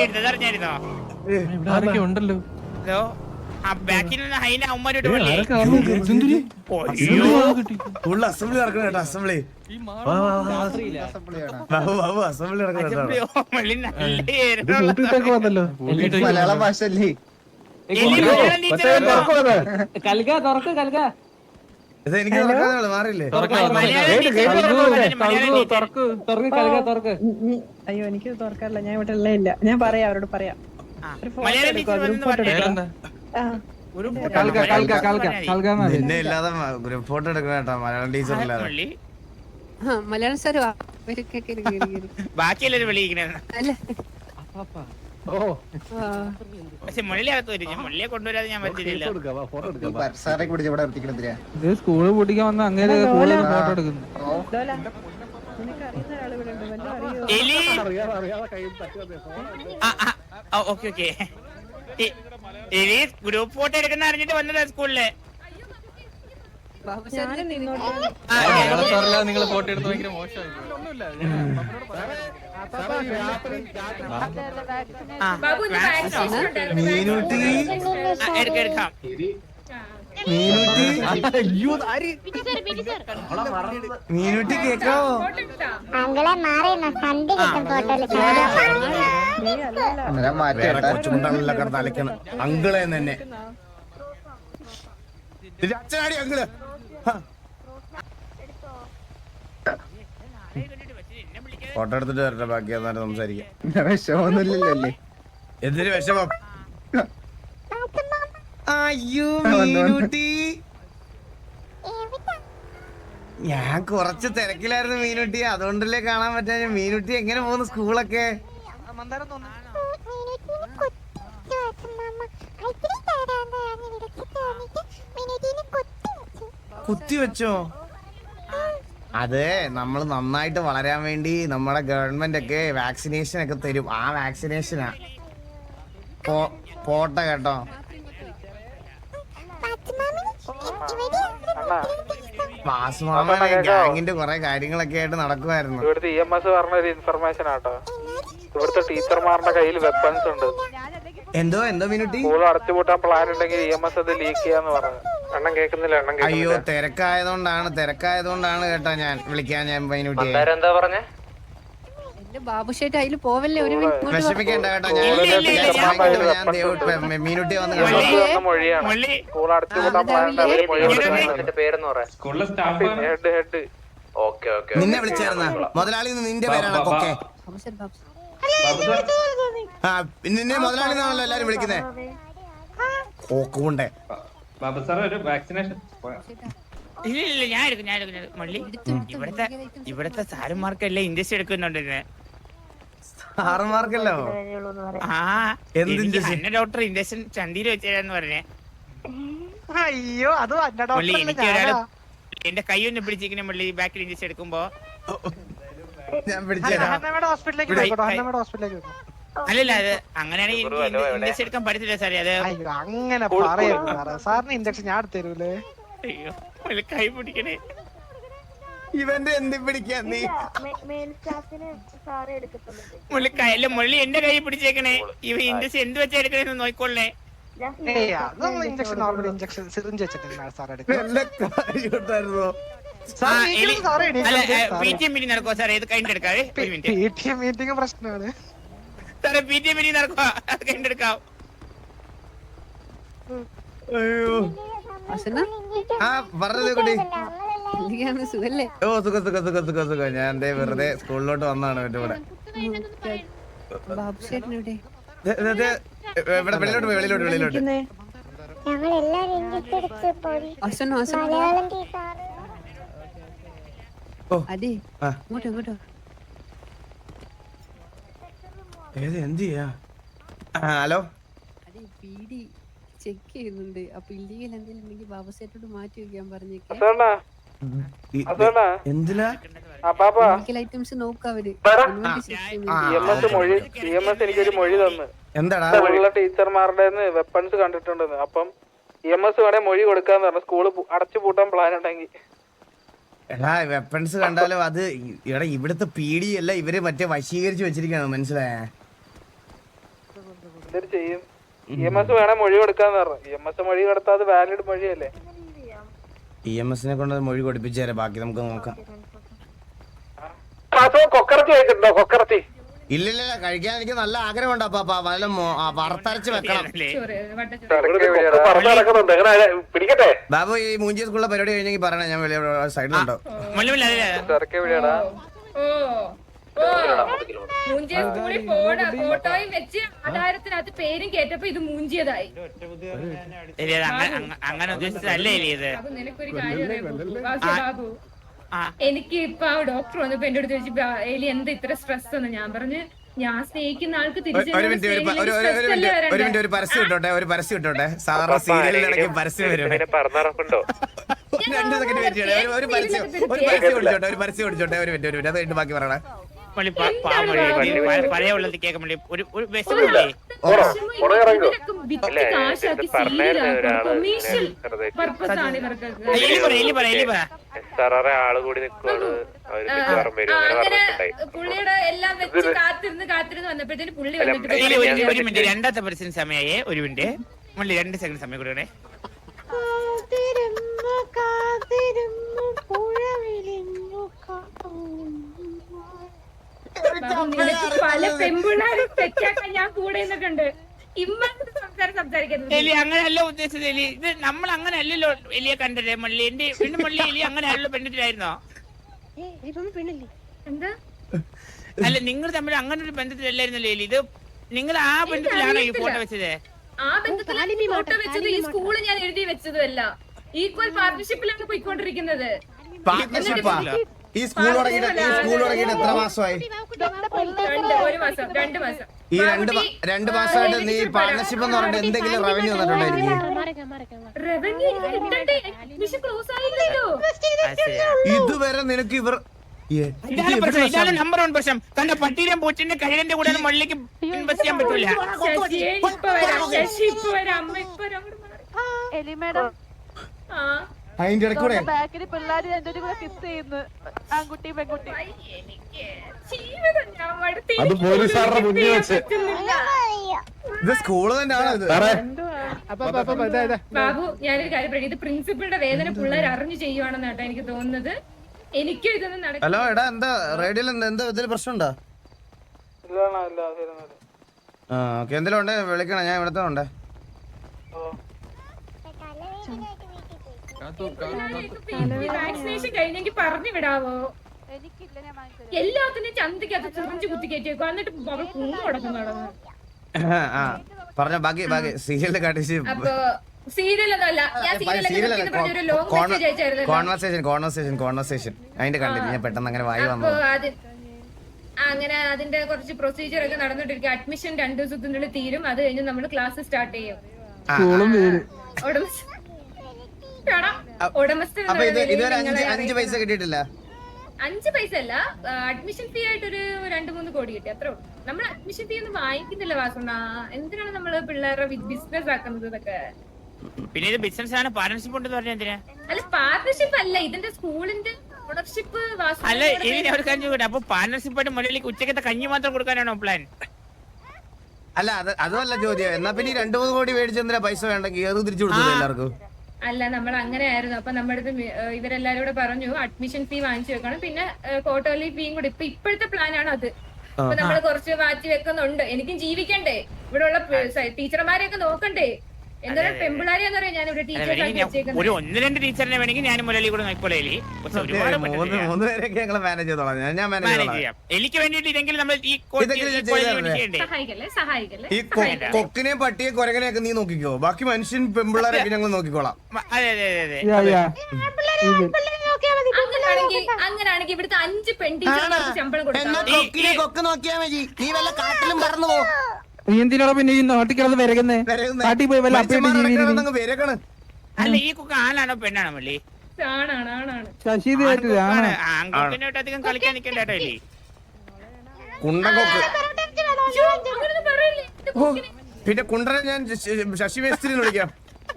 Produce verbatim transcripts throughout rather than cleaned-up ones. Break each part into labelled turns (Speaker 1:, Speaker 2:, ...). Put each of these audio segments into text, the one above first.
Speaker 1: എടുത്തത് അതറിഞ്ഞായിരുന്നോ?
Speaker 2: ആരൊക്കെ ഉണ്ടല്ലോ
Speaker 1: ഹലോ ആ ബാക്കിൽ നിന്ന് ഹൈന അമ്മമാരോട് പോലെ
Speaker 3: അസംബ്ലി നടക്കണം കേട്ടോ അസംബ്ലി അസംബ്ലി
Speaker 2: വന്നല്ലോ
Speaker 4: മലയാള ഭാഷ അല്ലേ?
Speaker 3: എനിക്ക് മാറിയില്ലേ?
Speaker 5: അയ്യോ എനിക്ക് തുറക്കാറില്ല, ഞാൻ ഇവിടെ ഉള്ള ഇല്ല. ഞാൻ പറയാം അവരോട് പറയാം.
Speaker 3: നിന്നെ ഇല്ലാതെ ഗ്രൂപ്പ് ഫോട്ടോ എടുക്കണം കേട്ടോ മലയാളം ടീച്ചർ ഇല്ലാതെ.
Speaker 6: മലയാളം സാർ
Speaker 1: ബാക്കിയെല്ലാരും വിളിക്കുന്നത് പക്ഷെ മുള്ളിയകത്ത് വരും. മുള്ളിയെ കൊണ്ടുവരാതെ ഞാൻ പറ്റില്ല.
Speaker 2: സ്കൂള് പൂട്ടിക്കാൻ വന്ന അങ്ങനെ ഫോട്ടോ എടുക്കുന്നു.
Speaker 1: ഓക്കെ ഓക്കെ ഗ്രൂപ്പ് ഫോട്ടോ എടുക്കുന്ന അറിഞ്ഞിട്ട് വന്നതാ സ്കൂളില്.
Speaker 2: നിങ്ങൾ ഫോട്ടോ എടുത്ത് ഭയങ്കര മോശമായി.
Speaker 3: മീനൂട്ടി
Speaker 1: എടുക്കാം
Speaker 3: മീനൂട്ടി കേക്കാവോ? കൊച്ചുമുണ്ടല്ല കിടന്ന് അലക്കണം അങ്കിളെ തന്നെ. അച്ഛനാടി അങ്കിള് ഫോട്ടോ എടുത്തിട്ട് വരട്ടെ, ബാക്കി എന്നാലും സംസാരിക്കാം.
Speaker 4: വിഷമൊന്നുമില്ലല്ലേ?
Speaker 3: എന്തൊരു വിഷമം? അയ്യോ മീനൂട്ടി, ഞാൻ കുറച്ച് തിരക്കിലായിരുന്നു മീനൂട്ടി, അതുകൊണ്ടല്ലേ കാണാൻ പറ്റാ. മീനൂട്ടി എങ്ങനെ പോകുന്നു സ്കൂളൊക്കെ? കുത്തി വെച്ചോ? അതെ, നമ്മൾ നന്നായിട്ട് വളരാൻ വേണ്ടി നമ്മുടെ ഗവൺമെന്റ് ഒക്കെ വാക്സിനേഷൻ ഒക്കെ തരും. ആ വാക്സിനേഷനാ. പോട്ടെ കേട്ടോ. ഗ്യാങ്ങിന്റെ കുറെ കാര്യങ്ങളൊക്കെ ആയിട്ട് നടക്കുമായിരുന്നു.
Speaker 7: ഇവിടുത്തെ ഇ എം എസ് പറഞ്ഞൊരു ഇൻഫർമേഷൻ ആട്ടോ. ഇവിടുത്തെ ടീച്ചർമാരുടെ കയ്യിൽ വെപ്പൺസ് ഉണ്ട്.
Speaker 3: എന്തോ എന്തോ മിനുട്ടി
Speaker 7: സ്കൂൾ അടച്ചുപൂട്ടാൻ പ്ലാൻ ഉണ്ടെങ്കിൽ ഇ എം എസ് അത് ലീക്ക് ചെയ്യാന്ന് പറഞ്ഞു. എണ്ണം കേൾക്കുന്നില്ല എണ്ണം.
Speaker 3: അയ്യോ തിരക്കായതുകൊണ്ടാണ് തിരക്കായതുകൊണ്ടാണ് കേട്ടോ ഞാൻ വിളിക്കാൻ. ഞാൻ മൈനൂട്ടി
Speaker 7: എന്താ പറഞ്ഞേ?
Speaker 6: ബാബുഷേട്ട് അതിൽ പോവല്ലേ, ഒരു
Speaker 3: വിഷമിക്കേണ്ട കേട്ടോ. ഞാൻ മീനുട്ടി വന്ന്
Speaker 7: മൊഴിയാണ്. സ്കൂൾ അടച്ചുപൂട്ടാൻ പ്ലാൻ പേരെന്ന് പറയാം. Head head. Okay okay.
Speaker 3: നിന്നെ വിളിച്ചായിരുന്ന മുതലാളി നിന്റെ പേരാണ് കൊക്കെ? ആ നിന്നെ മുതലാളി എന്നാണല്ലോ എല്ലാരും വിളിക്കുന്നേ. കോക്കുണ്ടേ
Speaker 1: ഇല്ല ഇല്ല ഞാൻ എടുക്കും ഞാൻ എടുക്കും മള്ളി. ഇവിടത്തെ ഇവിടത്തെ സാരന്മാർക്കെല്ലാം ഇൻജക്ഷൻ എടുക്കുന്നുണ്ട്.
Speaker 3: സാറന്മാർക്കല്ലോ?
Speaker 1: ആ എന്ത് ഡോക്ടർ ഇൻജക്ഷൻ ചന്തിയിൽ വെച്ചേരാന്ന് പറഞ്ഞേ.
Speaker 7: അയ്യോ അത്
Speaker 1: എനിക്ക് ഒരാള് എന്റെ കൈ ഒന്ന് പിടിച്ചിരിക്കുന്ന മള്ളി ബാക്കിൽ ഇൻജക്ഷൻ എടുക്കുമ്പോ.
Speaker 3: ഞാൻ പിടിച്ചേരാ.
Speaker 1: അല്ലല്ല അത് അങ്ങനെയാണെങ്കിൽ ഇൻജക്ഷൻ എടുക്കാൻ പറ്റത്തില്ല സാറേ. അത്
Speaker 7: അങ്ങനെ പറയരുത് സാറിന് ഇൻജക്ഷൻ ഞാൻ തരൂലേ.
Speaker 1: അയ്യോ കൈ പിടിക്കണേ.
Speaker 3: ഇവന്റെ എന്തി പിടിക്കാൻ നീ?
Speaker 1: മുള്ളി കയ്യില് മുള്ളി എന്റെ കൈ പിടിച്ചേക്കണേ. ഇവ ഇൻജക്ഷൻ എന്ത് വെച്ചാ എടുക്കണേന്ന് നോക്കിക്കൊള്ളേ. നടക്കുവോ സാറേ? ഇത് കഴിഞ്ഞിട്ട് എടുക്കാവേ.
Speaker 7: മീറ്റിംഗ് പ്രശ്നമാണ്
Speaker 1: സാറേ. പി ടി എ മീറ്റിംഗ് നടക്കുവാ, കഴിഞ്ഞിട്ട് എടുക്കാം.
Speaker 3: അയ്യോ ആ പറഞ്ഞത് കുട്ടി. ഓ സുഖ സുഖ സുഖ സുഖ സുഖ. ഞാൻ എന്തേ വെറുതെ സ്കൂളിലോട്ട് വന്നാണ് എന്റെ കൂടെ. ഇവിടെ വെളിയിലോട്ട് പോയി വെളിയിലോട്ട് വെളിയിലോട്ട്. ഏത് എന്ത് ചെയ്യാ? ഹലോ
Speaker 6: ചെക്ക് ചെയ്യുന്നുണ്ട്. അപ്പൊ ഇല്ലീഗൽ എന്തെങ്കിലും ഉണ്ടെങ്കിൽ ബാബുസേട്ടോട് മാറ്റി വെക്കാൻ പറഞ്ഞേക്കാം.
Speaker 3: എന്തിനാ
Speaker 6: ഐറ്റംസ് നോക്കാം അവര്.
Speaker 7: എനിക്കൊരു മൊഴി തന്നു.
Speaker 3: എന്താടാ?
Speaker 7: ടീച്ചർമാരുടെ വെപ്പൺസ് കണ്ടിട്ടുണ്ടെന്ന്. അപ്പം ഇ എം എസ് വേണേ മൊഴി കൊടുക്കാന്ന് പറഞ്ഞു. സ്കൂള് അടച്ചു പൂട്ടാൻ പ്ലാൻ ഉണ്ടെങ്കിൽ.
Speaker 3: എടാ വെപ്പൺസ് കണ്ടാലും അത് എടാ ഇവിടുത്തെ പീഡി അല്ല, ഇവര് മറ്റേ വശീകരിച്ച് വെച്ചിരിക്കാണ്. മനസ്സിലായേ?
Speaker 7: എന്തൊരു ചെയ്യും? ഇ എം എസ് വേണേ മൊഴി കൊടുക്കാന്ന് പറഞ്ഞു. ഇ എം എസ് മൊഴി കൊടുത്താൽ അത് വാലിഡ് മൊഴിയല്ലേ?
Speaker 3: ഇ എം എസിനെ കൊണ്ട് മൊഴി കൊടുപ്പിച്ചു തരാം, ബാക്കി നമുക്ക് നോക്കാം.
Speaker 7: കൊക്കറത്തി കഴിച്ചിട്ടുണ്ടോ? കൊക്കറത്തി
Speaker 3: ഇല്ലില്ല, കഴിക്കാൻ എനിക്ക് നല്ല ആഗ്രഹമുണ്ട്. അപ്പൊ വല്ല വറുത്തരച്ച് വെക്കണം.
Speaker 7: പിടിക്കട്ടെ
Speaker 3: ബാബു, ഈ മൂഞ്ചി സ്കൂളിലെ പരിപാടി കഴിഞ്ഞെങ്കിൽ പറയണേ, ഞാൻ വലിയ സൈഡിലുണ്ടോ.
Speaker 8: മൂഞ്ചിയ സ്കൂളിൽ പോണ ഫോട്ടോയും വെച്ച് ആധാരത്തിനകത്ത് പേരും കേട്ടപ്പോ ഇത് മൂഞ്ചിയതായി.
Speaker 1: അങ്ങനെ ഉദ്ദേശിച്ചതല്ലേ ഇത്.
Speaker 8: അപ്പൊ നിനക്കൊരു കാര്യം ബാബു, എനിക്ക് ഇപ്പൊ ആ ഡോക്ടർ വന്നപ്പോ എന്റെ അടുത്ത് ചോദിച്ചു, എലി എന്താ ഇത്ര സ്ട്രെസ് എന്ന്. ഞാൻ പറഞ്ഞു, ഞാൻ സ്നേഹിക്കുന്ന ആൾക്ക്
Speaker 3: ഒരു മിനിറ്റ്, ഒരു മിനിറ്റ്, ഒരു മിനിറ്റ്, ഒരു പരസ്യം ഇട്ടോട്ടെ, ഒരു പരസ്യം ഇട്ടോട്ടെ. സാധാരണ സീരിയലിനിടയ്ക്ക് പരസ്യം വരും. രണ്ട് സെക്കൻഡ് വെയിറ്റ് ചെയ്യണേ. ഒരു പരസ്യം ഒരു പരസ്യം ഓടിച്ചോട്ടെ, ഒരു പരസ്യം ഓടിച്ചോട്ടെ. ഒരു മിനിറ്റ്, ഒരു മിനിറ്റ്, അത് കഴിഞ്ഞിട്ട് ബാക്കി പറയണേ.
Speaker 1: പഴയ ഉള്ളത് കേൾക്കാൻ വേണ്ടി ഒരു ഒരു ബസ്സിലല്ലേ
Speaker 8: പുള്ളിയുടെ എല്ലാം വെച്ച് കാത്തിരുന്ന് കാത്തിരുന്ന് വന്നപ്പോഴത്തേന് പുള്ളി വന്നിട്ട്
Speaker 1: ഒരു മിനിറ്റ്, രണ്ടാമത്തെ പരസ്യം സമയമായേ. ഒരു മിനിറ്റ്, മള്ളി രണ്ട് സെക്കൻഡ് സമയം കൊടുക്കണേ.
Speaker 8: പല പെൺപിള്ളേരും തെറ്റാക്കാൻ ഞാൻ കൂടെ നിന്നിട്ടുണ്ട്. ഇമ്മത്തെ സംസാരം സംസാരിക്കുന്നത്
Speaker 1: എലി അങ്ങനെയല്ല ഉദ്ദേശിച്ചത്. എലി ഇത് നമ്മൾ അങ്ങനെ അല്ലല്ലോ എലിയെ കണ്ടത്. മള്ളി എന്റെ പിന്നെ മള്ളി എലി അങ്ങനെ അല്ലല്ലോ പെണ്ണിട്ടിലായിരുന്നോ?
Speaker 8: എന്താ?
Speaker 1: അല്ല, നിങ്ങൾ തമ്മിൽ അങ്ങനെ ഒരു ബന്ധത്തിലല്ലായിരുന്നല്ലോ എലി. ഇത് നിങ്ങൾ ആ ബന്ധത്തിലാണോ ഈ ഫോട്ടോ വെച്ചത്?
Speaker 8: ആ ബന്ധത്തിലാണ് ഫോട്ടോ വെച്ചത്. ഈ സ്കൂള് ഞാൻ എഴുതി വെച്ചതല്ല. ഈക്വൽ പാർട്ണർഷിപ്പിലാണ് പോയിക്കൊണ്ടിരിക്കുന്നത്.
Speaker 3: പാർട്ണർഷിപ്പാ? ഈ സ്കൂൾ തുടങ്ങിയിട്ട് ഈ സ്കൂൾ തുടങ്ങിയിട്ട് എത്ര മാസമായി?
Speaker 8: ഒരു മാസം, രണ്ട് മാസം.
Speaker 3: ഈ രണ്ട് രണ്ട് മാസമായിട്ട് നീ പാർട്ണർഷിപ്പ് എന്ന് പറഞ്ഞിട്ട് എന്തെങ്കിലും റവന്യൂ വന്നിട്ടുണ്ടോ? എനിക്ക്
Speaker 8: റവന്യൂ കിട്ടണ്ടേ? അഡ്മിഷൻ ക്ലോസ് ആയില്ലല്ലോ.
Speaker 3: ഇതുവരെ നിനക്ക് ഇവർ
Speaker 1: ഇതാണ് നമ്പർ വൺ പ്രശ്നം. തന്റെ പട്ടീരം പൂച്ചിന്റെ കഴിവിന്റെ കൂടെ മള്ളിക്ക് ഇൻവെസ്റ്റ് ചെയ്യാൻ പറ്റൂല.
Speaker 8: ശശിയെ ഇപ്പൊ വരാം, ശശി ഇപ്പൊ വരാം, അമ്മ ഇപ്പൊ വരാം. ആ
Speaker 3: അതിന്റെ ഇടയ്ക്കൂടെ
Speaker 9: ബാക്കില് പിള്ളേര് രണ്ടുപേരും കൂടെ കിസ് ചെയ്യുന്നു, ആൺകുട്ടി പെൺകുട്ടി.
Speaker 2: അത് പോലീസുകാരുടെ മുന്നിൽ വെച്ച്.
Speaker 3: ഇത് സ്കൂള് തന്നെയാണ് ഇത്.
Speaker 8: ബാബു, ഞാനൊരു കാര്യം പറയും, ഇത് പ്രിൻസിപ്പളുടെ വേദന പിള്ളേർ അറിഞ്ഞു ചെയ്യുവാണെന്ന് കേട്ടോ എനിക്ക് തോന്നുന്നത്. എനിക്കും ഇതൊന്നും നടക്കും.
Speaker 3: ഹലോ, എടാ, എന്താ റേഡിയോയിൽ എന്താ ഇതിൽ പ്രശ്നമുണ്ടോ? ആ ഓക്കെ, എന്തെങ്കിലും ഉണ്ടേ വിളിക്കണം, ഞാൻ ഇവിടത്തെ ഉണ്ടേ.
Speaker 8: വാക്സിനേഷൻ കഴിഞ്ഞെങ്കിൽ പറഞ്ഞു വിടാവോ?
Speaker 9: എനിക്കില്ല, ഞാൻ വാങ്ങിച്ചത്.
Speaker 8: എല്ലാത്തിനും ചന്തക്കകത്ത് ചെറിഞ്ചു കുത്തി കയറ്റിയേക്കോ, എന്നിട്ട് അവൾ കുന്നു കിടന്നു നടന്നു.
Speaker 3: ആ പറഞ്ഞോ, ബാക്കി ബാക്കി സീരിയലിൽ കാട്ടിച്ച്.
Speaker 8: അപ്പൊ സീരിയലൊന്നുമല്ല, ഞാൻ സീരിയൽ ലോങ് മെസ്സേജ് അയച്ചായിരുന്നു.
Speaker 3: കോൺവെർസേഷൻ കോൺവെർസേഷൻ കോൺവെർസേഷൻ അതിന്റെ കണ്ടിട്ട് ഞാൻ പെട്ടെന്ന് അങ്ങനെ വായി വന്നു.
Speaker 8: അങ്ങനെ അതിന്റെ കുറച്ച് പ്രൊസീജിയർ ഒക്കെ നടന്നിട്ടിരിക്കും. അഡ്മിഷൻ രണ്ടു ദിവസത്തിനുള്ളിൽ തീരും. അത് കഴിഞ്ഞ് നമ്മൾ ക്ലാസ് സ്റ്റാർട്ട് ചെയ്യും.
Speaker 3: അപ്പൊ ഇത് ഇതുവരെ അഞ്ച് അഞ്ച് പൈസ കിട്ടിയിട്ടില്ല.
Speaker 8: അഞ്ച് പൈസ അല്ല, അഡ്മിഷൻ ഫീ ആയിട്ട് ഒരു രണ്ടു മൂന്ന് കോടി കിട്ടി, അത്രേ ഉള്ളൂ. നമ്മൾ അഡ്മിഷൻ ഫീ ഒന്നും വാങ്ങിക്കുന്നില്ല വാസുണ്ണ. എന്തിനാണ് നമ്മള് പിള്ളേരുടെ ബിസിനസ് ആക്കുന്നത് ഇതൊക്കെ?
Speaker 1: പിന്നെ ഇത് ബിസിനസ് ആണ്, പാർട്ണർഷിപ്പ് ഉണ്ടെന്ന് പറഞ്ഞാൽ എന്തിനാ?
Speaker 8: അല്ല, പാർട്ണർഷിപ്പ് അല്ല, ഇതിന്റെ സ്കൂളിന്റെ ഓണർഷിപ്പ്.
Speaker 1: അല്ല, ഇനി ഒരു കാര്യം കൂടെ, അപ്പൊ പാർട്ണർഷിപ്പ് ആയിട്ട് മുരളിക്ക് ഉച്ചക്കത്തെ കഞ്ഞി മാത്രം കൊടുക്കാനാണോ പ്ലാൻ?
Speaker 3: അല്ല, അത് അതുമല്ല ചോദ്യം. എന്നാ പിന്നെ രണ്ടു മൂന്ന് കോടി മേടിച്ചെന്തിനാ പൈസ വേണ്ടെങ്കിൽ ഏത് തിരിച്ചു കൊടുത്തു എല്ലാവർക്കും?
Speaker 8: അല്ല, നമ്മൾ അങ്ങനെ ആയിരുന്നു. അപ്പൊ നമ്മുടെ അടുത്ത് ഇവരെല്ലാരും കൂടെ പറഞ്ഞു അഡ്മിഷൻ ഫീ വാങ്ങിച്ചു വെക്കണം, പിന്നെ ക്വാർട്ടർലി ഫീയും കൂടി. ഇപ്പൊ ഇപ്പോഴത്തെ പ്ലാനാണ് അത്. അപ്പൊ നമ്മൾ കുറച്ച് മാറ്റി വെക്കുന്നുണ്ട്. എനിക്കും ജീവിക്കണ്ടേ, ഇവിടെ ഉള്ള ടീച്ചർമാരെയൊക്കെ നോക്കണ്ടേ. എന്തായാലും പെമ്പിളാരെന്ന് പറയാം ഞാൻ ഇവിടെ ടീച്ചേഴ്സ്.
Speaker 1: ഒരു ഒന്ന് രണ്ട് ടീച്ചറിനെ വേണമെങ്കിൽ ഞാൻ മുരളി കൂടെ നോക്കിക്കോളേ. എനിക്ക് വേണ്ടിട്ട് ഇതെങ്കിലും നമ്മൾ ഈ
Speaker 8: സഹായിക്കല്ലേ സഹായിക്കല്ലേ
Speaker 3: ഈ കൊക്കിനെ പട്ടിയെ കൊരകനെയൊക്കെ നീ നോക്കിക്കോ, ബാക്കി മനുഷ്യൻ പെമ്പിള്ളാരൊക്കെ ഞങ്ങൾ നോക്കിക്കോളാം.
Speaker 1: അതെ അതെ അതെ
Speaker 8: അങ്ങനാണെങ്കിൽ അങ്ങനാണെങ്കിൽ ഇവിടുത്തെ അഞ്ച് പെൺടീച്ചർമാർക്ക് ശമ്പളം കൊടുക്കാം.
Speaker 3: കൊക്ക് നോക്കിയാ മതി, നീ വല്ല കാട്ടിലും പറന്നു പോ.
Speaker 2: നീ എന്തിനാ പിന്നെ ഈ നാട്ടിൽ വരകുന്നേ? നാട്ടിൽ പോയി വല്ല
Speaker 3: പേരക്കാണ്.
Speaker 1: അല്ല, ഈ കുക്ക് ആണാണോ പെണ്ണാണോ മള്ളി?
Speaker 8: ആണാണ് ആണാണ്
Speaker 2: ശശി
Speaker 1: ആൺകുട്ടിനായിട്ട് അധികം കളിക്കാൻ നിൽക്കണ്ട കേട്ടോ. ഇല്ലേ
Speaker 3: കുണ്ടൻകൊക്ക്.
Speaker 8: അങ്ങനൊന്നും പറയില്ലേ.
Speaker 3: പിന്നെ കുണ്ടനെ ഞാൻ ശശി മേസ്ത്രി വിളിക്കാം.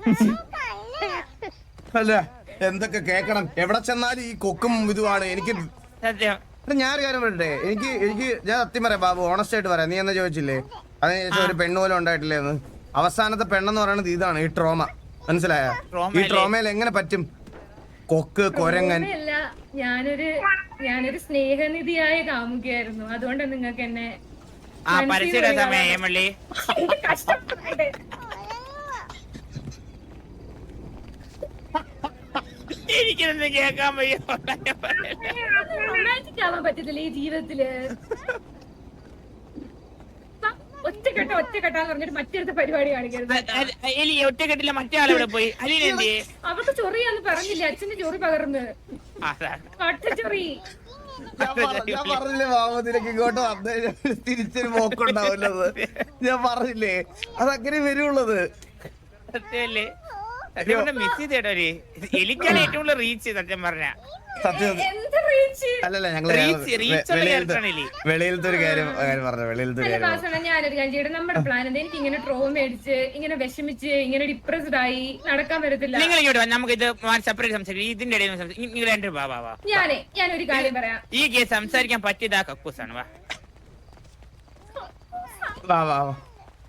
Speaker 3: അല്ല, എന്തൊക്കെ കേക്കണം, എവിടെ ചെന്നാലും ഈ കൊക്കും ഇതുമാണ് എനിക്ക്
Speaker 1: സത്യം.
Speaker 3: ഞാൻ ഒരു കാര്യം പറയട്ടെ, എനിക്ക് എനിക്ക് ഞാൻ സത്യം പറയാം ബാബു, ഓണസ്റ്റ് ആയിട്ട് പറയാം. നീ എന്നാ ചോദിച്ചില്ലേ, അതിനുശേഷം ഒരു പെണ്ണ് പോലും ഉണ്ടായിട്ടില്ലേന്ന്. അവസാനത്തെ പെണ്ണെന്ന് പറയുന്നത് ഇതാണ്, ഈ ട്രോമ. മനസ്സിലായ? ഈ ട്രോമയിൽ എങ്ങനെ പറ്റും? കൊക്ക് കൊരങ്ങൻ.
Speaker 8: ഞാനൊരു ഞാനൊരു സ്നേഹനിധിയായ കാമുകയായിരുന്നു, അതുകൊണ്ടാണ് നിങ്ങൾക്ക് എന്നെ
Speaker 1: എനിക്കൊന്നും കേൾക്കാൻ വയ്യ.
Speaker 8: റൊമാൻറ്റിക് ആവാൻ പറ്റത്തില്ല ഈ ജീവിതത്തില്. ഒറ്റക്കെട്ട ഒറ്റക്കെട്ടാന്ന് പറഞ്ഞിട്ട് മറ്റൊരു പരിപാടി കാണിക്കരുത്.
Speaker 1: എലി ഒറ്റക്കെട്ടില്ല, മറ്റേ ആളെവിടെ പോയി? അലീനെന്തി?
Speaker 8: അവർക്ക് ചൊറിയാന്ന് പറഞ്ഞില്ല, അച്ഛന്റെ ചൊറി പകർന്ന് ഒറ്റച്ചൊറി.
Speaker 3: ഞാൻ പറഞ്ഞില്ലേ മാമത്തിലേക്ക് ഇങ്ങോട്ട് വന്നു തിരിച്ചൊരു പോക്കുണ്ടാവില്ലത്. ഞാൻ പറഞ്ഞില്ലേ അതങ്ങനെ വരുള്ളത്.
Speaker 1: സത്യല്ലേ? മിസ് ചെയ്തേട്ടോ. എലിക്കാണ് ഏറ്റവും കൂടുതൽ റീച്ച് സത്യം പറഞ്ഞ.
Speaker 3: അല്ലല്ല ഞങ്ങള് വെളിയിലത്തെ ഒരു കാര്യം പറഞ്ഞു. വെളിയിലത്തെ ഒരു കാര്യം
Speaker 8: ഞാനൊരു കാര്യം ചെയ്യട്ടെ. നമ്മുടെ പ്ലാൻ എന്താ? എനിക്ക് ഇങ്ങനെ ട്രോമ അടിച്ച് ഇങ്ങനെ വിഷമിച്ച് ഇങ്ങനെ ഡിപ്രസ്ഡ് ആയി നടക്കാൻ പറ്റത്തില്ല.
Speaker 1: നിങ്ങൾ ഇങ്ങോട്ട് നമുക്ക് ഇത് സെപ്പറേറ്റ് സംസാരിക്കും. ഇതിന്റെ ഇടയിൽ നിങ്ങൾ രണ്ട് വാ വാ.
Speaker 8: ഞാനേ ഞാനൊരു കാര്യം പറയാം.
Speaker 1: ഈ കേസ് സംസാരിക്കാൻ പറ്റിയതാ കക്കൂസാണ്. വാ
Speaker 3: വാ വാ വാ.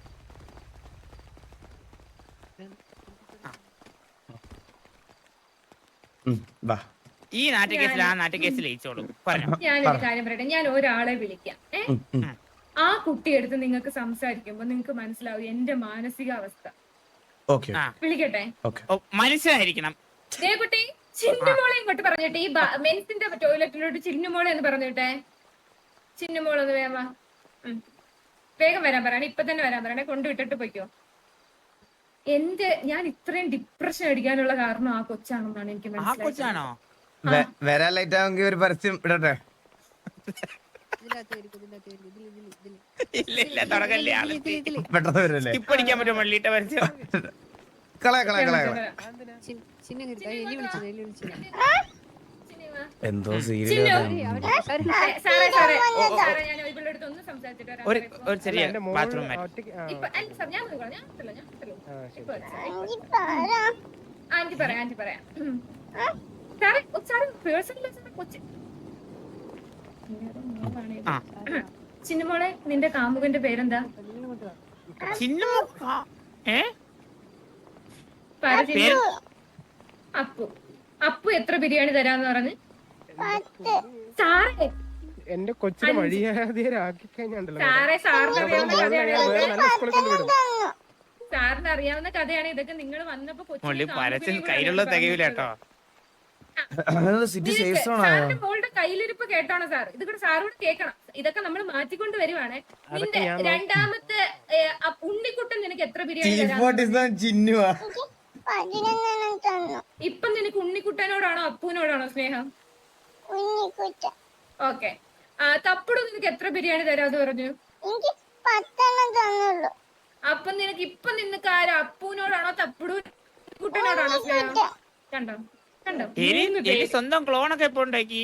Speaker 1: ഈ നാട്ടു കേസിൽ ആ നാട്ടു കേസിൽ ജയിച്ചോളൂ.
Speaker 8: ഞാനൊരു കാര്യം പറയട്ടെ. ഞാൻ ഒരാളെ വിളിക്കാം. ഏഹ് ആ കുട്ടിയെടുത്ത് നിങ്ങൾക്ക് സംസാരിക്കുമ്പോ നിങ്ങൾക്ക് മനസ്സിലാവും എന്റെ മാനസികാവസ്ഥ. വിളിക്കട്ടെ?
Speaker 1: മനസ്സിലായിരിക്കണം.
Speaker 8: ദേ കുട്ടി, ചിന്നുമോളെ ഇങ്ങോട്ട് പറഞ്ഞിട്ടെ. ഈ മെൻസിന്റെ ടോയ്ലറ്റിലോട്ട് ചിന്നുമോളെ എന്ന് പറഞ്ഞിട്ടെ. ചിന്നുമോളൊന്ന് വേഗം വേഗം വരാൻ പറയണേ. ഇപ്പൊ തന്നെ വരാൻ പറയണേ. കൊണ്ടുവിട്ടിട്ട് പോയിക്കോ. എന്റെ ഞാൻ ഇത്രയും ഡിപ്രഷൻ അടിക്കാനുള്ള കാരണം ആ കൊച്ചാണെന്നാണ് എനിക്ക് മനസ്സിലായത്.
Speaker 3: വരാൻ ലേറ്റ് ആവുമെങ്കിൽ ഒരു പരസ്യം ഇടട്ടെ. പെട്ടെന്ന് വരല്ലേ? കളയ കളയ കളയ എന്തോ സീരിയസ്.
Speaker 1: ഒരു ചെറിയ ബാത്റൂം
Speaker 8: ആന്റി പറയാം ആന്റി പറയാം സാറേ സാറ് പേഴ്സണൽ കൊച്ചി ചിന്നുമോളെ, നിന്റെ കാമുകന്റെ പേരെന്താ? അപ്പു. അപ്പു എത്ര ബിരിയാണി തരാന്ന് പറഞ്ഞ്? സാറേ
Speaker 7: എന്റെ കൊച്ചിനെ മര്യാദയാക്കി കഴിഞ്ഞാണ്ടല്ലോ
Speaker 8: സാറേ സാറിന് അറിയാവുന്ന കഥയാണ് സാറിന് അറിയാവുന്ന കഥയാണ് ഇതൊക്കെ. നിങ്ങൾ വന്നപ്പോ
Speaker 1: കയ്യിലുള്ള തികയില്ല കേട്ടോ.
Speaker 8: സാറിന്റെ മോളുടെ കയ്യിലിരിപ്പ് കേട്ടാണോ സാർ? ഇത് കൂടെ സാറോട് കേൾക്കണം. ഇതൊക്കെ നമ്മൾ മാറ്റിക്കൊണ്ട് വരുവാണ്. നിന്റെ രണ്ടാമത്തെ ഉണ്ണിക്കുട്ടൻ നിനക്ക് എത്ര ബിരിയാണി ഇപ്പൊ നിനക്ക് ഉണ്ണിക്കുട്ടനോടാണോ അപ്പൂനോടാണോ സ്നേഹം? ഓക്കെ. തപ്പുടു നിനക്ക് എത്ര ബിരിയാണി തരാന്ന് പറഞ്ഞു? അപ്പൊ നിനക്ക് ഇപ്പൊ നിനക്ക് ആരാ? അപ്പൂനോടാണോ തപ്പുടു കുട്ടനോടാണോ സ്നേഹം? കണ്ടോ കണ്ടോ?
Speaker 1: സ്വന്തം ക്ലോണൊക്കെ ഇപ്പൊ ഉണ്ടാക്കി.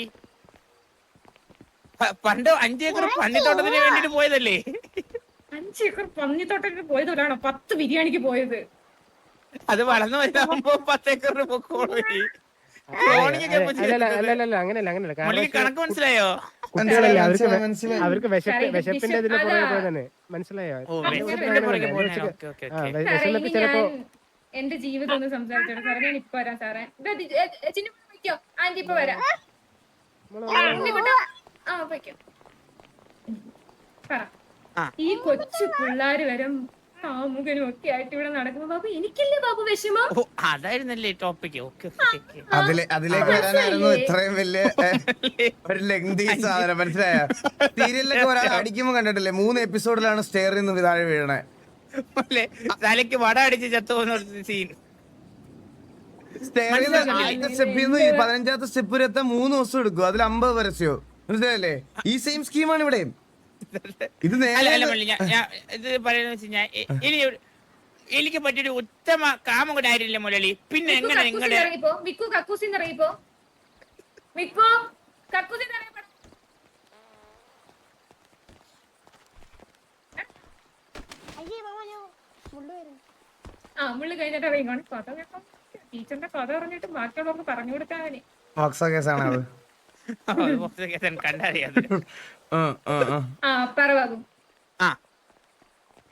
Speaker 1: പണ്ട് അഞ്ചേക്കർ പന്നിത്തോട്ടത്തിന് വേണ്ടിട്ട് പോയതല്ലേ?
Speaker 8: അഞ്ചേക്കർ പന്നിത്തോട്ടത്തിന് പോയതോടാണോ പത്ത് ബിരിയാണിക്ക് പോയത്?
Speaker 1: അത് വളർന്നു വരുമ്പോ പത്തേക്കറിന് പൊക്കോളൂ. കണക്ക് മനസ്സിലായോ?
Speaker 7: അവർക്ക് വിശപ്പിന്റെ ഇതിന്റെ പുറകെ പോയതാണ്. മനസ്സിലായോ? ചിലപ്പോ
Speaker 8: എന്റെ ജീവിതം ഒന്ന് സംസാരിച്ചോട്ടെ സാറേ. ഞാൻ ഇപ്പൊ വരാം സാറേ. ചിന്നു വയ്ക്കോ? ആന്റി ഇപ്പൊ വരാം. ആ വയ്ക്കോ. പറ. ഈ കൊച്ചു പിള്ളേര് വരും കാമുകനും ഒക്കെ ആയിട്ട് ഇവിടെ നടക്കുമ്പോ ബാബു എനിക്കില്ലേ ബാബു വിഷമം?
Speaker 1: അതായിരുന്നല്ലേ ടോപ്പിക്.
Speaker 3: അതിലേക്ക് വരാനായിരുന്നു ഇത്രയും വലിയ ഒരു ലെങ്തി സാധനം. മനസ്സിലായ? സീരിയലിലൊക്കെ ഒരാൾ അടിക്കുമ്പോ കണ്ടിട്ടില്ലേ? മൂന്ന് എപ്പിസോഡിലാണ് സ്റ്റെയറിൽ നിന്ന് താഴെ വീഴണേ.
Speaker 1: തലയ്ക്ക് വട അടിച്ച് ചത്തു പോകുന്ന സീൻ.
Speaker 3: പതിനഞ്ചാമത്തെ സ്റ്റെപ്പ് വരെ എത്താൻ മൂന്ന് ദിവസം എടുക്കും. അതിൽ അമ്പത് പരസ്യോ. മനസ്സിലായല്ലേ? ഈ സെയിം സ്കീമാണ് ഇവിടെ. ഇത്
Speaker 1: ഇത് പറയുന്ന വെച്ച് കഴിഞ്ഞാൽ ഇനി എനിക്ക് പറ്റിയൊരു ഉത്തമ കാമുകനായിരുന്നില്ല മുരളി. പിന്നെ എങ്ങനെ നിങ്ങളുടെ
Speaker 8: ആ മുള്ളു കഴിഞ്ഞിട്ട് അറിയുകയാണ് കഥ കേട്ടോ. ടീച്ചറിന്റെ കഥ പറഞ്ഞിട്ട് ബാക്കിയുള്ളവർക്ക് പറഞ്ഞു കൊടുക്കാനേ.
Speaker 1: കണ്ടറിയാം.
Speaker 8: ആ പറ ബാബു.
Speaker 1: ആ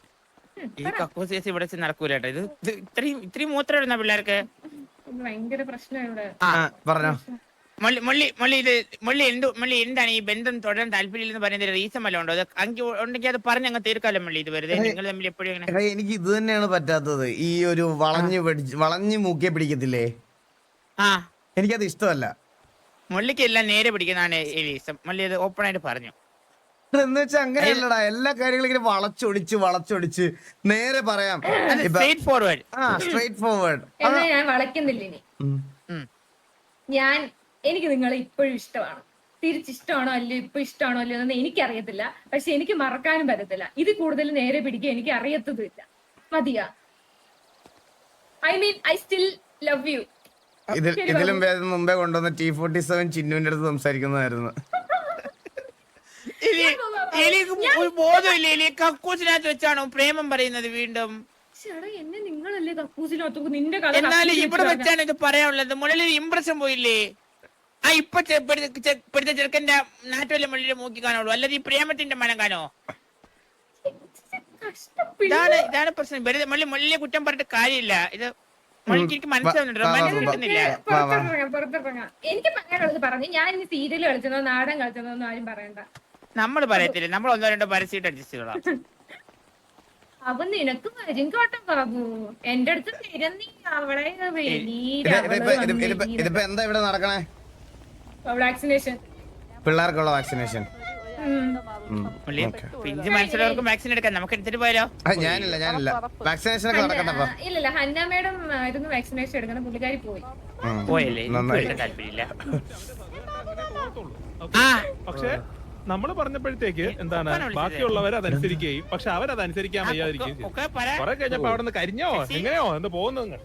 Speaker 1: ഈ കക്കൂസ് കേസ് ഇവിടെ വെച്ച് നടക്കൂല കേട്ടോ. ഇത് ഇത് ഇത്രയും ഇത്രയും മൂത്രം ഇടുന്ന പിള്ളേർക്ക്.
Speaker 8: ഇത് ഭയങ്കര പ്രശ്നം ഇവിടെ.
Speaker 3: ആ പറഞ്ഞോ.
Speaker 1: മള്ളി മള്ളി മള്ളി ഇത് മള്ളി എന്ത് മള്ളി എന്താണ് ഈ ബന്ധം തുടരാൻ താല്പര്യമില്ലെന്ന് പറയുന്നതിന് റീസൺ വല്ലതും ഉണ്ടോ? അത് അങ്കി ഉണ്ടെങ്കിൽ അത് പറഞ്ഞ് അങ്ങ് തീർക്കാലോ മള്ളി. ഇത് വെറുതെ നിങ്ങൾ തമ്മിൽ എപ്പോഴും ഇങ്ങനെ.
Speaker 3: എടാ എനിക്ക് ഇത് തന്നെയാണ് പറ്റാത്തത്. ഈ ഒരു വളഞ്ഞു പിടിച്ച് വളഞ്ഞു മൂക്കിയെ പിടിക്കത്തില്ലേ,
Speaker 1: ആ
Speaker 3: എനിക്കത് ഇഷ്ടമല്ല.
Speaker 1: മള്ളിക്ക് എല്ലാം നേരെ പിടിക്കുന്നതാണ് എലീസം. മള്ളി അത് ഓപ്പൺ ആയിട്ട് പറഞ്ഞു.
Speaker 3: എന്ന് വെച്ചാൽ അങ്ങനെയല്ലടാ, എല്ലാ കാര്യങ്ങളും ഇങ്ങനെ വളച്ചൊടിച്ച് വളച്ചൊടിച്ച് നേരെ പറയാം.
Speaker 1: Straight forward.
Speaker 3: ആ സ്ട്രേറ്റ് ഫോർവേഡ്.
Speaker 8: എന്നാ ഞാൻ വളയ്ക്കുന്നില്ല ഇനി.
Speaker 1: ഉം.
Speaker 8: ഞാൻ എനിക്ക് നിങ്ങളെ ഇപ്പോഴും ഇഷ്ടമാണ്. തിരിച്ചിഷ്ടമാണോ അല്ലയോ, ഇപ്പൊ ഇഷ്ടമാണോ അല്ലയോ എന്ന് എനിക്കറിയത്തില്ല. പക്ഷെ എനിക്ക് മറക്കാനും പറ്റത്തില്ല. ഇത് കൂടുതൽ നേരെ പിടിക്കുക എനിക്ക് അറിയത്തതുമില്ല. മതിയാ. I mean I still love you.
Speaker 3: ഇതിൽ ഇതിലും ഭേദം മുമ്പേ കൊണ്ടുവന്ന ടി ഫോർട്ടി സെവൻ ചിന്നുവിന്റെ അടുത്ത് സംസാരിക്കുന്നതായിരുന്നു.
Speaker 1: എലി എലിക്ക് ഒരു ബോധമില്ല. എലി കക്കൂസിനകത്ത് വെച്ചാണോ പ്രേമം പറയുന്നത് വീണ്ടും?
Speaker 8: ചേട്ടാ എന്നെ നിങ്ങളല്ലേ കക്കൂസിനകത്ത് നിന്റെ കഥ
Speaker 1: എന്നാലും ഇവിടെ വെച്ചാണ് ഇത് പറയാനുള്ളത്. മുകളിൽ ഇംപ്രഷൻ പോയില്ലേ? ആ ഇപ്പൊ ഇപ്പോഴത്തെ ചെറുക്കന്റെ നാട്ടുവല്ല മുള്ളിലെ മൂക്കി കാണുള്ളൂ, അല്ലാതെ ഈ പ്രേമത്തിന്റെ മനം കാണോ? ഇതാണ് ഇതാണ് പ്രശ്നം. വെറുതെ മുള്ളി മുള്ളിലെ കുറ്റം പറഞ്ഞിട്ട് കാര്യമില്ല. ഇത് മുള്ളിക്ക് എനിക്ക് മനസ്സിലാവുന്നുണ്ട്, റൊമാൻസ് കിട്ടുന്നില്ല.
Speaker 8: പുറത്തിറങ്ങാം പുറത്തിറങ്ങാം. എനിക്ക് പറയാനുള്ളത് പറഞ്ഞു. ഞാൻ ഇനി സീരിയൽ കളിച്ചതോ നാടകം കളിച്ചതോ ഒന്നും ആരും പറയണ്ട.
Speaker 1: നമ്മൾ പറയത്തില്ല, നമ്മൾ ഒന്നോ രണ്ടോ പരസ്യമായിട്ട് അഡ്ജസ്റ്റ് ചെയ്തോളാം.
Speaker 8: അവൻ നിനക്ക് വരും കേട്ടോ ബാബു. എന്റെ അടുത്ത് തിരന്നീ അവളെ
Speaker 3: ഇതിപ്പോ എന്താ ഇവിടെ നടക്കണേ?
Speaker 8: വാക്സിനേഷൻ,
Speaker 3: പിള്ളേർക്കുള്ള വാക്സിനേഷൻ.
Speaker 1: പിഞ്ച് മനസ്സിലുള്ളവർക്ക് വാക്സിൻ എടുക്കാം. നമുക്ക് എടുത്തിട്ട് പോയാലോ?
Speaker 3: ഞാനില്ല ഞാനില്ല വാക്സിനേഷൻ ഒക്കെ നടക്കട്ടെ.
Speaker 8: ഇല്ലല്ല ഹന്ന മേഡം ആയിരുന്നു വാക്സിനേഷൻ എടുക്കുന്ന. പുള്ളിക്കാരി പോയി
Speaker 1: പോയല്ലേ? താല്പര്യമില്ല.
Speaker 10: പക്ഷെ നമ്മള് പറഞ്ഞപ്പോഴത്തേക്ക് എന്താണ് ബാക്കിയുള്ളവർ അതനുസരിക്കുകയും പക്ഷെ അവരതനുസരിക്കാൻ വയ്യാതിരിക്കുകയും ചെയ്യും. കുറെ കഴിഞ്ഞപ്പോ അവിടെ നിന്ന് കരിഞ്ഞോ എങ്ങനെയോ എന്താ പോകുന്നു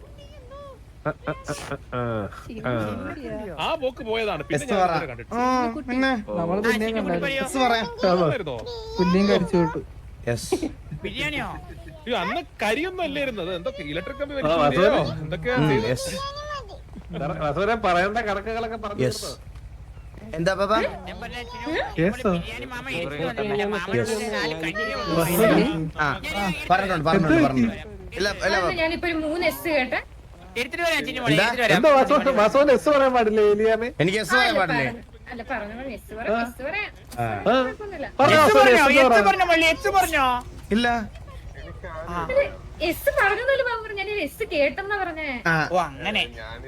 Speaker 10: ആ പോക്ക് പോയതാണ്. പിന്നെ ഞാൻ കണ്ടിട്ട്
Speaker 2: നമ്മള് പിന്നെയും കണ്ടായിരുന്നു. പിന്നെയും കഴിച്ചു വിട്ടു.
Speaker 1: ബിരിയാണിയോ?
Speaker 10: അന്ന് കരിയൊന്നും അല്ലായിരുന്നത്. എന്തൊക്കെ ഇലക്ട്രിക് കമ്പി വലിച്ചോ എന്തൊക്കെയാ
Speaker 4: പറയേണ്ട കണക്കുകളൊക്കെ പറഞ്ഞു.
Speaker 3: എന്താ പാപ്പാ? പറഞ്ഞോണ്ട് പറഞ്ഞോണ്ട് പറഞ്ഞു. ഇല്ല ഇല്ല
Speaker 8: ഞാനിപ്പോ ഒരു മൂന്ന് എസ് കേട്ടെ.
Speaker 1: എടുത്തിട്ട് വരാം ചിന്നു മോളെ, എടുത്തിട്ട് വരാം.
Speaker 4: എസ് പറയാൻ പാടില്ലേ എലിയാമേ?
Speaker 3: എനിക്ക് എസ് പറയാൻ പാടില്ലേ?
Speaker 8: അല്ല പറഞ്ഞു എസ് പറയാം എസ് പറയാം.
Speaker 1: എച്ച് പറഞ്ഞോ? എച്ച് പറഞ്ഞോ മള്ളി? എച്ച് പറഞ്ഞോ?
Speaker 3: ഇല്ല
Speaker 8: എസ് പറഞ്ഞല്ലോ ബാബു. ഞാൻ എസ് കേട്ടെന്നാ പറഞ്ഞേ.
Speaker 1: ഓ അങ്ങനെ.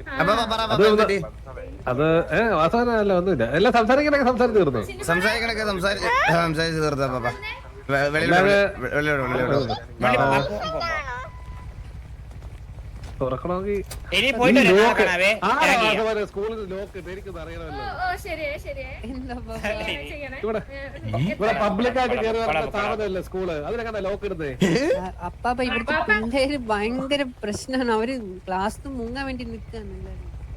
Speaker 4: അത് വാസവനല്ല ഒന്നുമില്ല. എല്ലാം സംസാരിക്കണൊക്കെ സംസാരിച്ച് തീർന്നു.
Speaker 3: സംസാരിക്കണൊക്കെ സംസാരിച്ച് സംസാരിച്ച് തീർത്താ പാപ്പ. വെളിയിലോട്ട്
Speaker 4: തുറക്കണമെങ്കിൽ
Speaker 1: ഇനി പോയിട്ട് വരാം. കാണാവേ.
Speaker 4: സ്കൂളിൽ ലോക്ക് എനിക്കൊന്നും അറിയണമല്ലോ.
Speaker 8: ഓ ശരിയാ ശരിയാ.
Speaker 4: ഇവിടെ ഇവിടെ പബ്ലിക്കായിട്ട് കയറി വരുന്ന സ്ഥാപനമല്ലേ സ്കൂള്, അതിനൊക്കെ ലോക്ക് ഇടുന്നേ.
Speaker 6: അപ്പാപ്പ ഇവിടുത്തെ പിള്ളേര് ഭയങ്കര പ്രശ്നമാണ്. അവര് ക്ലാസ് മുങ്ങാൻ വേണ്ടി നിൽക്കാണ്.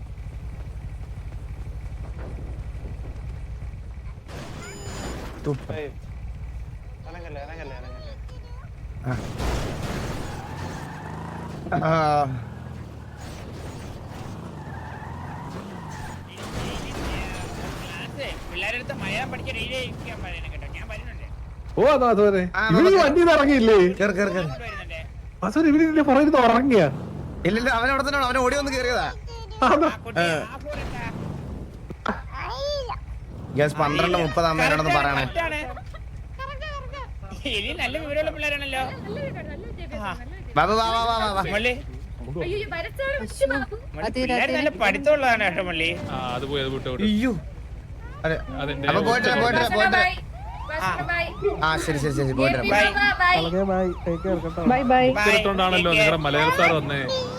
Speaker 1: പിള്ളേരെടുത്ത് മലയാളം പഠിക്കാൻ റീഡിക്കാൻ പറയണം കേട്ടോ. ഞാൻ വരുന്നുണ്ട്.
Speaker 4: ഓ അതാ അതുപോലെ ഇവര് വണ്ടിയിൽ ഇറങ്ങിയില്ലേ? അസോൻ ഇവര് പറയുന്നത് ഉറങ്ങിയ
Speaker 3: ഇല്ലല്ലോ, അവൻ അവിടെ തന്നെ അവൻ ഓടി വന്ന് കയറിയതാ. ഗ്യാസ് പന്ത്രണ്ട് മുപ്പത് അമ്മേനോടൊന്ന് പറയണേ.
Speaker 1: ഇനി നല്ല വിവരമുള്ള പിള്ളേരാണല്ലോ.
Speaker 3: ബാബു വാ വാ വാ വാ
Speaker 1: മള്ളി
Speaker 8: അയ്യോ വരച്ചാണ് ബാബു.
Speaker 1: പിള്ളേർ നല്ല പഠിത്തമുള്ളതാണ് കേട്ടോ മള്ളി.
Speaker 10: അത് പോയി അത് വിട്ടു.
Speaker 3: അയ്യോ അതെ അപ്പൊ പോയിട്ട് പോയിട്ട് പോയിട്ട് ആ ശരി ശരി ശരി പോയിട്ട്
Speaker 2: ബൈ. ടേക്ക് കെയർ കേട്ടോ.
Speaker 5: Bye bye.
Speaker 10: ഇത്തരത്തോണ്ടാണല്ലോ നിങ്ങളുടെ മലയാള സാർ വന്നേ.